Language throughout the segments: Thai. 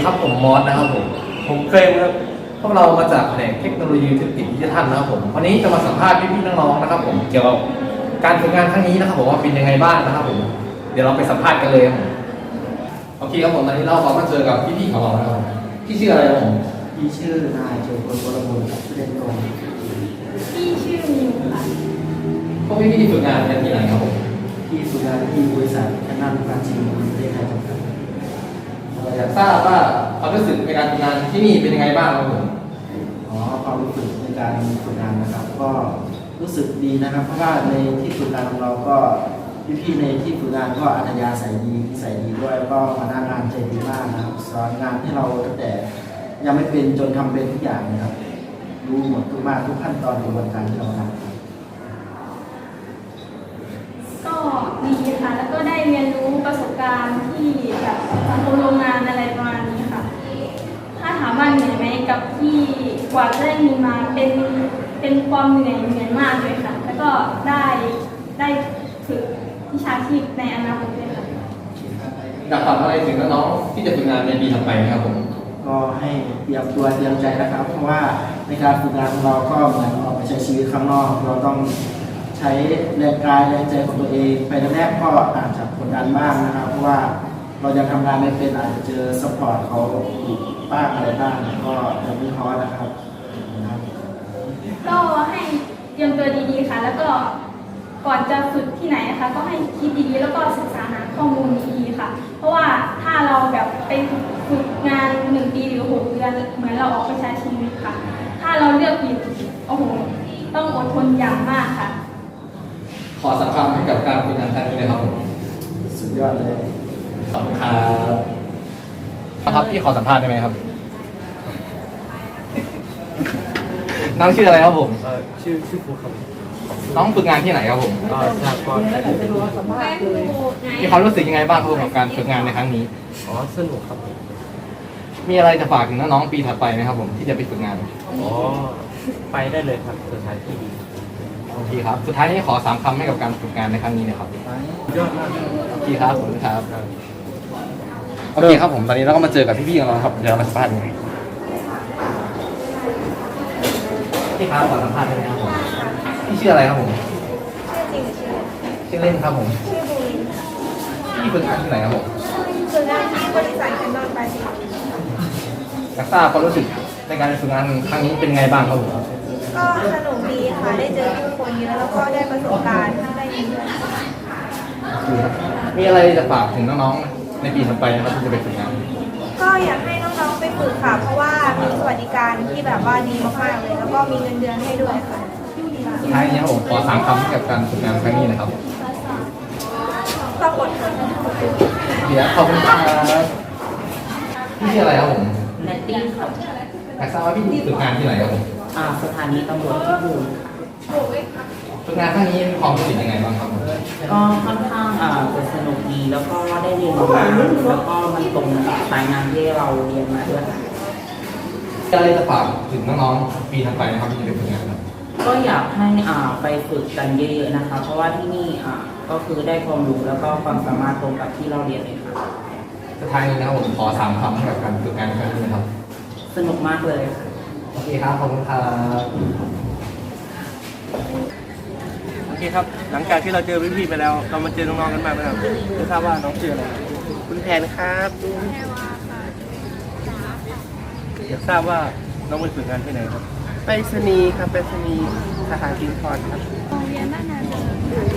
ครับผมมอสนะครับผมเฟรมครับพวกเรามาจากแผนกเทคโนโลยีธุรกิจดิจิทัลนะครับผมวันนี้จะมาสัมภาษณ์พี่ๆน้องๆนะครับผมเกี่ยวกับการฝึกงานครั้งนี้นะครับผมว่าเป็นยังไงบ้างนะครับผมเดี๋ยวเราไปสัมภาษณ์กันเลยครับผมโอเคครับผมตอนนี้เรามาเจอกับพี่ๆของเรานะครับพี่ชื่ออะไรครับผมพี่ชื่อนายโจพลวรบุญครับชื่อเล่นกงพี่ชื่อมิวค่ะพวกพี่ๆฝึกงานกันที่ไหนครับผมที่ฝึกงานที่บริษัทแคนนันปราจีนบุรีประเทศไทยจำกัดอยากทราบว่าความรู้สึกในการฝึกงานที่นี่เป็นยังไงบ้างครับผมความรู้สึกในการฝึกงานนะครับ ก็รู้สึกดีนะครับ เพราะว่าในที่ฝึกงานของเราก็พี่ๆในที่ฝึกงานก็อัธยาศัยดีนิสัยดีด้วยแล้วก็พนักงานใจดีมากนะครับสอนงานให้เราตั้งแต่ยังไม่เป็นจนทำเป็นทุกอย่างนะครับรู้หมดทุกมากทุกขั้นตอนกระบวนการที่เราทำครับก็ดีค่ะ แล้วก็ได้เรียนรู้ประสบการณ์ที่แบบสังคมโรงงานอะไรประมาณนี้ค่ะ ถ้าถามว่าเหนื่อยไหมกับที่กว่าจะได้มีมาเป็นความเหนื่อยมากเลยค่ะ แล้วก็ได้ฝึกวิชาชีพในอนาคตเลยค่ะอยากฝากอะไรถึงน้องๆที่จะฝึกงานในปีถัดไปนะครับผมก็ให้เตรียมตัวเตรียมใจนะครับ เพราะว่าในการฝึกงานของเราก็เหมือนออกไปใช้ชีวิตข้างนอก เราต้องใช้แรงกายแรงใจของตัวเองไปแรกๆก็อาจจะกดดันบ้างนะครับ เพราะว่าเรายังทำงานไม่เป็นอาจจะเจอซัพพอร์ตเขาอีกบ้างอะไรบ้างก็จะไม่ท้อนะครับก็ให้เตรียมตัวดีๆค่ะ แล้วก็ก่อนจะฝึกที่ไหนนะคะก็ให้คิดดีๆแล้วก็ศึกษาหาข้อมูลดีๆค่ะ เพราะว่าถ้าเราแบบไปฝึกงาน1 ปีหรือ6 เดือนเหมือนเราออกไปใช้ชีวิตค่ะ ถ้าเราเลือกผิดโอ้โหต้องอดทนอย่างมากค่ะขอสักคำให้กับการฝึกงานครั้งนี้นะครับผมสุดยอดเลยขอบคุณครับครับพี่ขอสัมภาษณ์ได้ไหมครับ น้องชื่ออะไรครับผมชื่อครูครับน้องฝึกงานที่ไหนครับผมทราบก็มีความรู้สึกยังไงบ้างครับผมกับการฝึกงานในครั้งนี้สนุกครับผมมีอะไรจะฝากถึงน้องๆปีถัดไปไหมครับผมที่จะไปฝึกงานไปได้เลยครับสถานที่ดีโอเคครับ สุดท้ายนี้ขอ3 คำให้กับการฝึกงานในครั้งนี้นะครับยอดมากโอเคครับขอบคุณครับโอเคครับผมตอนนี้เราก็มาเจอกับพี่ๆของเราครับเดี๋ยวเรามาสัมภาษณ์กันพี่ครับขอสัมภาษณ์ได้ไหมครับผมพี่ชื่ออะไรครับผมชื่อจริงชื่อชื่อเล่นครับผมชื่อบูลินพี่ฝึกงานที่ไหนครับผมฝึกงานที่บริษัทแคนนอนปาจีนอยากทราบความรู้สึกในการฝึกงานครั้งนี้เป็นไงบ้างครับผมก็สนุกดีค่ะได้เจอผู้คนเยอะแล้วก็ได้ประสบการณ์ได้เรียนรู้มีอะไรจะฝากถึงน้องๆในปีถัดไปนะครับที่จะไปฝึกงานก็อยากให้น้องๆไปฝึกค่ะ เพราะว่ามีสวัสดิการที่แบบว่าดีมากๆเลย แล้วก็มีเงินเดือนให้ด้วยค่ะสุดท้ายนี้ครับผมขอ3 คำให้กับการฝึกงานครั้งนี้นะครับต้องอดทนเดี๋ยวขอบคุณครับพี่ชื่ออะไรครับผมแนตตี้ครับอยากทราบว่าพี่ฝึกงานที่ไหนครับผมสถานีตำรวจพิบูลค่ะฝึกงานครั้งนี้มีความรู้สึกยังไงบ้างครับผมก็ค่อนข้างจะสนุกดีแล้วก็ได้เรียนรู้งานแล้วก็มันตรงกับสายงานที่เราเรียนมาด้วยค่ะมีอะไรจะฝากถึงน้องๆปีถัดไปนะครับที่จะไปฝึกงานครับก็อยากให้ไปฝึกกันเยอะๆนะคะ เพราะว่าที่นี่ก็คือได้ความรู้แล้วก็ความสามารถตรงกับที่เราเรียนเลยค่ะสุดท้ายนี้นะครับผมขอ3 คำให้กับการฝึกงานครั้งนี้นะครับสนุกมากเลยค่ะโอเคครับขอบคุณครับโอเคครับ หลังจากที่เราเจอพี่ๆไปแล้ว เรามาเจอน้องๆกันบ้างนะครับไม่ทราบว่าน้องชื่ออะไรคุณแพนครับอยากทราบว่าน้องไปฝึกงานที่ไหนครับไปรษณีย์ครับไปรษณีย์สถานกินพรครับโรงเรียนบ้านนาเดิม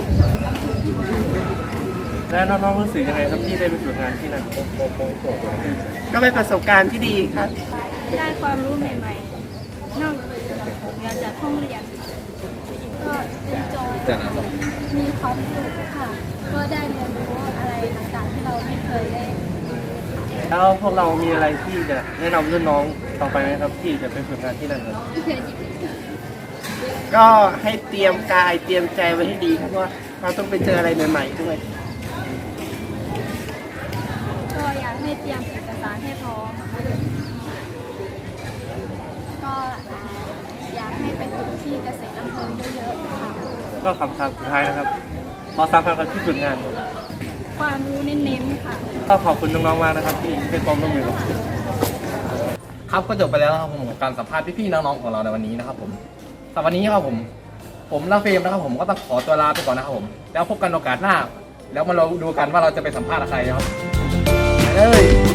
และน้องๆรู้สึกยังไงครับที่ได้ไปฝึกงานที่นั่นก็เป็นประสบการณ์ที่ดีครับได้ความรู้ใหม่ๆ นอกจากห้องเรียน ก็เป็นโจทย์มีความสุขค่ะ ก็ได้เรียนรู้อะไรต่างๆที่เราไม่เคยได้แล้วพวกเรามีอะไรที่จะแนะนำรุ่นน้องต่อไปไหมครับที่จะไปฝึกงานที่นั่นครับก็ให้เตรียมกายเตรียมใจไว้ให้ดีครับเพราะว่าเราต้องไปเจออะไรใหม่ๆด้วยก็อยากให้เตรียมเอกสารให้พร้อมก็อยากให้ไปฝึกที่เกษตรอำเภอเยอะๆค่ะก็คำถามสุดท้ายนะครับขอ3 คำกับที่ฝึกงานความรู้เน้นๆค่ะก็ขอบคุณน้องๆมากนะครับที่ให้ความร่วมมือกับครับก็จบไปแล้วนะครับผมกับการสัมภาษณ์พี่ๆน้องๆของเราในวันนี้นะครับผมสำหรับวันนี้ครับผมและเฟรมนะครับผมก็ต้องขอตัวลาไปก่อนนะครับผมแล้วพบกันโอกาสหน้า แล้วมาเราดูกันว่าเราจะไปสัมภาษณ์ใครนะครับไปเลย